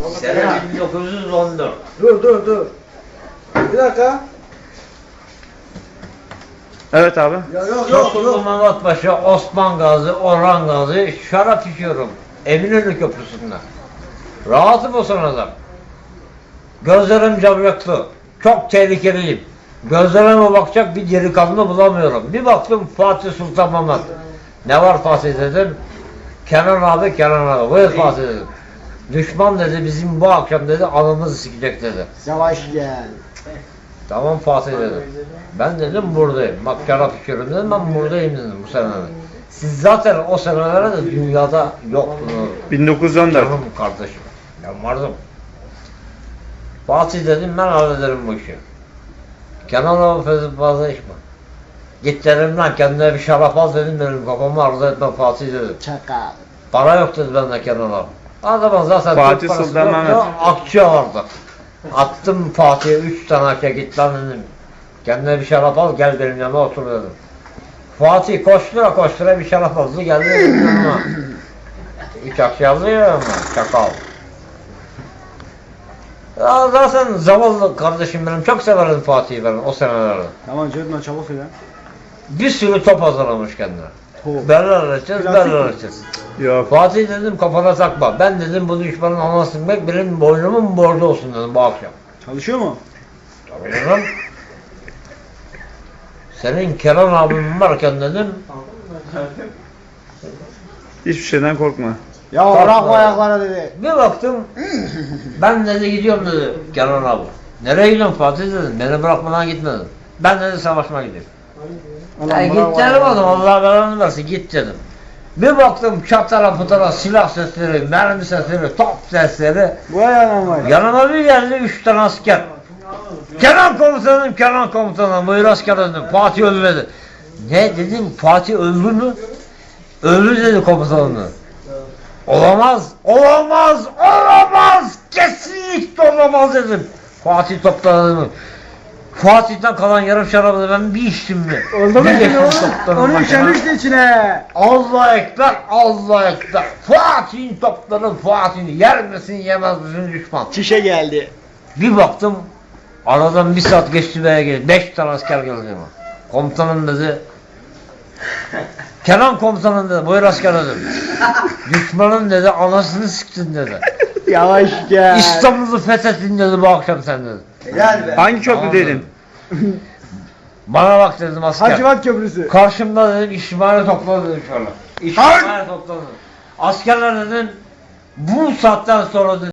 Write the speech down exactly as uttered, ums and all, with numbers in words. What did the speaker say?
Sene bin dokuz yüz on dört. Dur dur dur. Bir dakika. Evet abi. Ya yok yok Tosunlu yok. Mehmet Paşa, Osman Gazi, Orhan Gazi şarap içiyorum. Eminönü Köprüsü'nde. Rahatım o sırada. Gözlerim camyaklı. Çok tehlikeliyim. Gözlerime bakacak bir delikanlı bulamıyorum. Bir baktım Fatih Sultan Mehmet. Ne var Fatih dedim. Kenan abi, Kenan abi. Buyur Fatih dedim. Düşman dedi bizim bu akşam dedi anımızı sikecek dedi. Yavaş gel. Tamam Fatih dedim. Ben dedim buradayım. Bak şarap içiyorum dedim, ben buradayım dedim bu senelerde. Siz zaten o senelerde de dünyada yoktunuz. bin dokuz yüz on dört. Canım kardeşim. Ben vardım. Fatih dedim ben hallederim bu işi. Kenan abi fazla fazla içme. Git dedim lan kendine bir şarap al dedim, benim kafamı arzu etme Fatih dedim. Çakal. Para yok dedi bende Kenan abi. O zaman zaten Fatih Türk parası Sultan yoktu, Mehmet. akçe vardı. Attım Fatih'e üç tane akçe, git lan dedim. Kendine bir şarap al gel benim yanıma otur dedim. Fatih koştura koştura bir şarap aldı geldi benim yanıma. Üç akçe aldı ya ama çakal. Ya zaten zavallı kardeşim benim, çok severim Fatih'i ben o senelerde. Tamam Cedman çabuk söyle. Bir sürü top hazırlamış kendine. Top. Berler açacağız, Plastik berler mi? açacağız. Yok. Fatih dedim kafana takma. Ben dedim bu düşmanın anasını bek benim boynumun borcu olsun dedim bu akşam. Çalışıyor mu? Tabii dedim. Senin Kenan abim varken dedim. Hiçbir şeyden korkma. Ya Kalkma. bırak o ayaklara dedi. Bir baktım. Ben dedi gidiyorum dedi Kenan abi. Nereye gidiyorsun Fatih dedim. Beni bırakmadan gitme dedim. Ben dedi savaşma gidiyorum. Ya git dedim oğlum, Allah belanı versin git dedim. Bir baktım çatara putara silah sesleri, mermi sesleri, top sesleri. Bu ayağına var. Yanıma bir geldi üç tane asker. Kenan komutanım, Kenan komutanım, buyur asker dedim. Fatih öldü dedi. Ne dedim, Fatih öldü mü? Öldü dedi komutanım. Olamaz, olamaz, olamaz, kesinlikle olamaz dedim. Fatih topladı. Fatih'ten kalan yarım şarabı da ben bir içtim mi? Oldu mu Bir şimdi geçtim oğlum? toplarım Onu başına. işemişti içine. Allah ekber, Allah ekber. Fatih'in topları Fatih'in yer misin yemez misin düşman. Çişe geldi. Bir baktım aradan bir saat geçti veya geldi. Beş tane asker geldi ama. Komutanım dedi. Kenan komutanım dedi. Buyur asker dedim. Düşmanın dedi anasını siktin dedi. Yavaş gel. İstanbul'u fethettin dedi bu akşam sen dedi. Helal be. Hangi Tamam köprüdeydin? dedim. Bana bak dedim asker. Hacivat Köprüsü. Karşımda dedim İsmail'i topladı dedim şöyle. İsmail'i topladı. Askerler dedim bu saatten sonra dedim